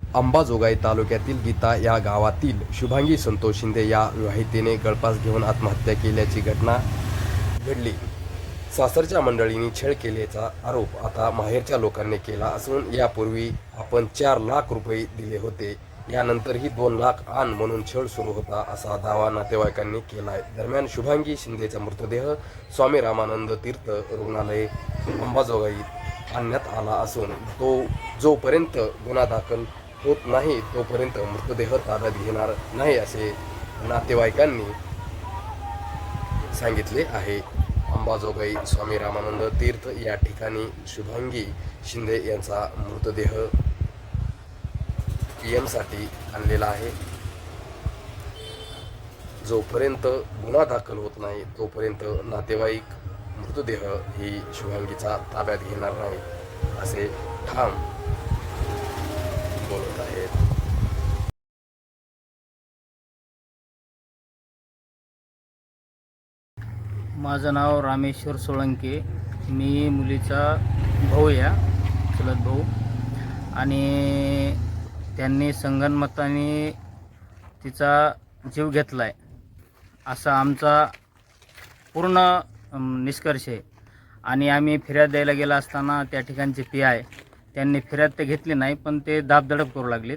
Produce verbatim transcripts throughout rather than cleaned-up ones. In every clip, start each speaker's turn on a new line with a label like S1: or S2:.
S1: अंबाजोगाई तालुक्यातील गीता या गावातील शुभांगी संतोष शिंदे या विवाहितेने गळफास घेऊन आत्महत्या केल्याची घटना घडली. सासरच्या मंडळींनी छळ केल्याचा आरोप आता माहेरच्या लोकांनी केला असून यापूर्वी आपण चार लाख रुपये दिले होते, यानंतरही दोन लाख आण म्हणून छळ सुरू होता असा दावा नातेवाईकांनी केला आहे. दरम्यान शुभांगी शिंदेचा मृतदेह स्वामी रामानंद तीर्थ रुग्णालय अंबाजोगाईत आणण्यात आला असून तो जोपर्यंत गुन्हा दाखल होत नाही तोपर्यंत मृतदेह ताब्यात घेणार नाही असे नातेवाईकांनी सांगितले आहे. अंबाजोगाई स्वामी रामानंद तीर्थ या ठिकाणी शुभांगी शिंदे यांचा मृतदेह पी एमसाठी आणलेला आहे. जोपर्यंत गुन्हा दाखल होत नाही तोपर्यंत नातेवाईक मृतदेह ही शुभांगीचा ताब्यात घेणार नाही असे ठाम बोलत आहेत.
S2: माझं नाव रामेश्वर सोळंके. मी मुलीचा भाऊ या चुलत भाऊ, आणि त्यांनी संगनमताने तिचा जीव घेतला आहे असा आमचा पूर्ण निष्कर्ष आहे. आणि आम्ही फिर्याद द्यायला गेला असताना त्या ठिकाणचे पी आय त्यांनी फिर्याद तर घेतली नाही, पण ते दाबदडप करू लागलेत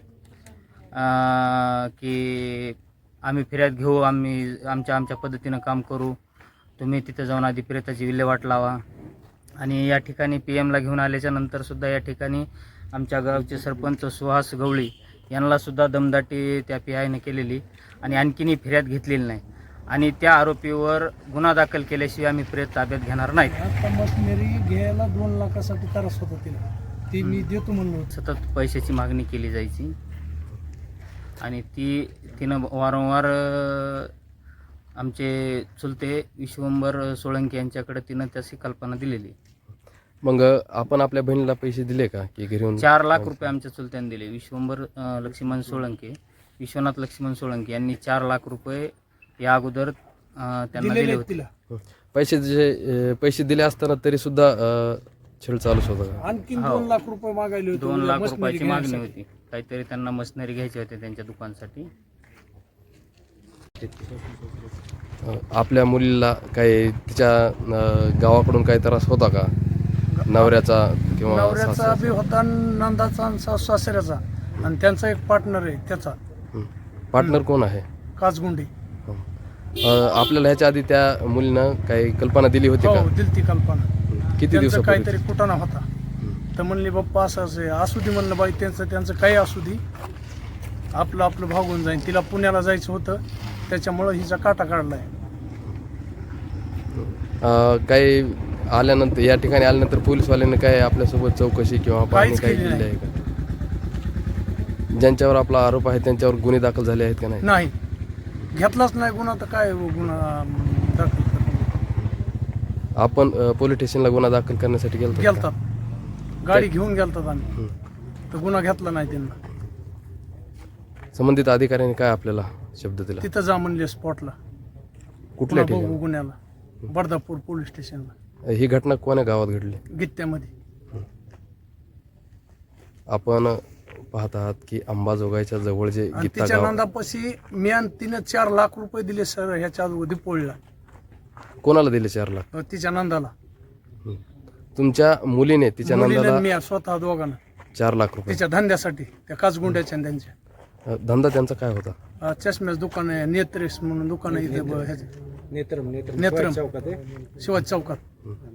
S2: की आम्ही फिर्याद घेऊ, आम्ही आमच्या आमच्या पद्धतीनं काम करू, तुम्ही तिथं जाऊन आधी प्रेताची विल्हेवाट लावा. आणि या ठिकाणी पी एमला घेऊन आल्याच्या नंतरसुद्धा या ठिकाणी आमच्या गावचे सरपंच सुहास गवळी यांनासुद्धा दमदाटी त्या पी आयने केलेली आणि आणखीनही फिर्याद घेतलेली नाही. आणि त्या आरोपीवर गुन्हा दाखल केल्याशिवाय आम्ही प्रेत ताब्यात घेणार नाही.
S3: आता मशिनरी घ्यायला दोन लाखासाठी त्रास होता तिला, ती मी देतो म्हणलो.
S2: सतत पैशाची मागणी केली जायची आणि ती तिनं वारंवार आमचे चुलते विश्वंभर सोळंके यांच्याकडे तिनं त्याची कल्पना दिलेली.
S1: मग आपण आपल्या बहिणीला पैसे दिले का की घरी?
S2: चार लाख रुपये आमच्या चुलत्याने दिले. विश्वंभर लक्ष्मण सोळंके, विश्वनाथ लक्ष्मण सोळंके यांनी चार लाख रुपये या अगोदर त्यांना दिले होते.
S1: पैसे जे पैसे दिले असताना तरी सुद्धा छळ चालूच होता.
S3: आणखी दोन लाख रुपये मागायले होते.
S2: दोन लाख रुपयाची मागणी होती. काहीतरी त्यांना मशिनरी घ्यायची होती त्यांच्या दुकानासाठी.
S1: आपल्या मुलीला काही तिच्या गावाकडून काही त्रास होता का? नवऱ्याचा किंवा
S3: नवऱ्याचा बी होता, नंदाचा आणि सासू सासऱ्याचा, आणि त्यांचा एक पार्टनर आहे त्याचा.
S1: पार्टनर कोण आहे?
S3: काचगुंडी.
S1: आपल्याला ह्याच्या आधी त्या मुलीनं काही कल्पना दिली होती
S3: हो,
S1: का?
S3: दिलती कल्पना.
S1: किती दिवस
S3: काहीतरी कुटाणा होता तर म्हणले बाप्पा असं असं असू दे म्हणलं, बाई त्यांचं त्यांचं काही असू दे, आपलं आपलं भागून जाईल. तिला पुण्याला जायचं होतं त्याच्यामुळं हिचा काटा काढलाय.
S1: काही आल्यानंतर या ठिकाणी आल्यानंतर पोलीसवाल्यांनी काय आपल्यासोबत चौकशी किंवा पाहणी काही केली आहे का? ज्यांच्यावर आपला आरोप आहे त्यांच्यावर गुन्हे दाखल झाले आहेत का? नाही
S3: नाही घेतलाच नाही गुन्हा, तर काय गुन्हा दाखल करणार?
S1: आपण पोलीस स्टेशनला गुन्हा दाखल करण्यासाठी गेलो
S3: गेलतात, गाडी घेऊन गेलतात आम्ही, तर गुन्हा घेतला नाही त्यांना.
S1: संबंधित अधिकाऱ्यांनी काय आपल्याला शब्द दिला?
S3: तिथं जा म्हणले स्पॉटला.
S1: कुठल्या
S3: बघू
S1: ठिकाणी?
S3: गुन्ह्याला बर्दापूर पोलीस स्टेशनला.
S1: ही घटना कोण्या गावात घडली?
S3: गित्त्यामध्ये.
S1: आपण पाहत आहात की अंबाजोगाईच्या जवळ जे
S3: आणि
S1: गीता
S3: तिच्या
S1: गाव,
S3: नंदापाशी मी आणि तिने चार लाख रुपये दिले सर ह्याच्या अगोदर पोळीला.
S1: कोणाला दिले चार लाख?
S3: तिच्या नंदाला.
S1: तुमच्या मुलीने तिच्या
S3: मुलीनं
S1: नंदाला
S3: मी स्वतः दोघांना
S1: चार लाख रुपये?
S3: तिच्या धंद्यासाठी, त्या काचगुंड्याच्या आणि त्यांच्या.
S1: धंदा त्यांचा काय होता?
S3: अं, चष्म्याचं दुकान आहे, नेत्रेस म्हणून दुकान आहे इथे ब- ह्याचं.
S4: नेत्रम
S3: नेत्रम शिवाजी चौकात.